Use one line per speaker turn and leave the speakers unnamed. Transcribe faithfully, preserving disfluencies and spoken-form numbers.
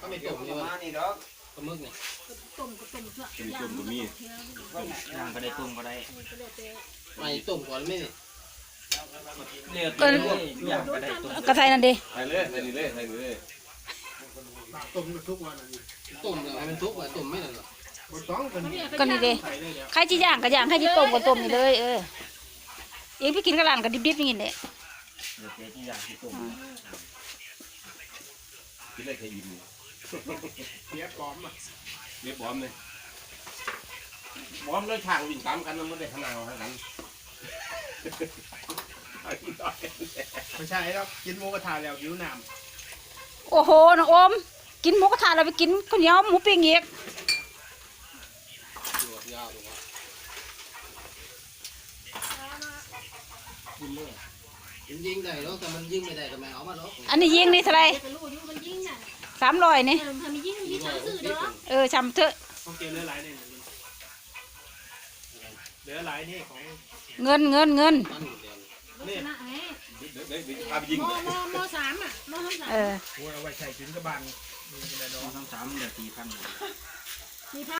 ไม่ต้มเลยว่านี่ดอกปลาหมึกเนี่ยต้มก็ต้มเถอะย่างก็มีย่างก็ได้ต้มก็ได้ไม่ต้มก่อนไม่เนี่ยเลือดเลยย่างก็ได้ต้ม
กระไทยนั่นดิ
ใส่เลยใส่นี่เลยใส่นี่เลย
ต้มทุกวัน
ต้มเลยให้มันทุกวันต้มไม่ได้หรอก
ก็นี่ดิใครจะย่างก็ย่างใครจะต้มก็ต้มนี่เลยเออเองพี่กินกระหล่ำกับดิบๆอย่างนี้แหละ
เดี๋ยวเจ๊ที่ย่างที่ต้มกินได้แค่อิ่ม
เบี้ยปลอมอ่ะ
เบี้ยปลอมเลยปลอมเลยทางวิ่งตามกันมันไม่ได้ขนาดขนาด
ไม่ใช่แล้วกินหมูกระทะแล้วหิวน้
ำโอ้โหน้องโอมกินหมูกระทะเราไปกินข้าวเหนียวหมูปิ้งอีก
ยิงได้แล้วแต่มันยิงไม่ได้ก็ไม่เอามาหรอก
อันนี้ยิงนี่เท่าไรสามร้อยนี่เออชำเถอะ
ต้องเกลือเหลือหลายนี่เหลือหลายนี่ของ
เงินเงินเงิน
นี่
เดี๋ยวเดี๋ยวพาไปยิง
มมมสามอ่ะมสามสาม
เออ
เอาไว้ใช้ถึงกระบัง
มสามสามเดี๋ยวสี่พัน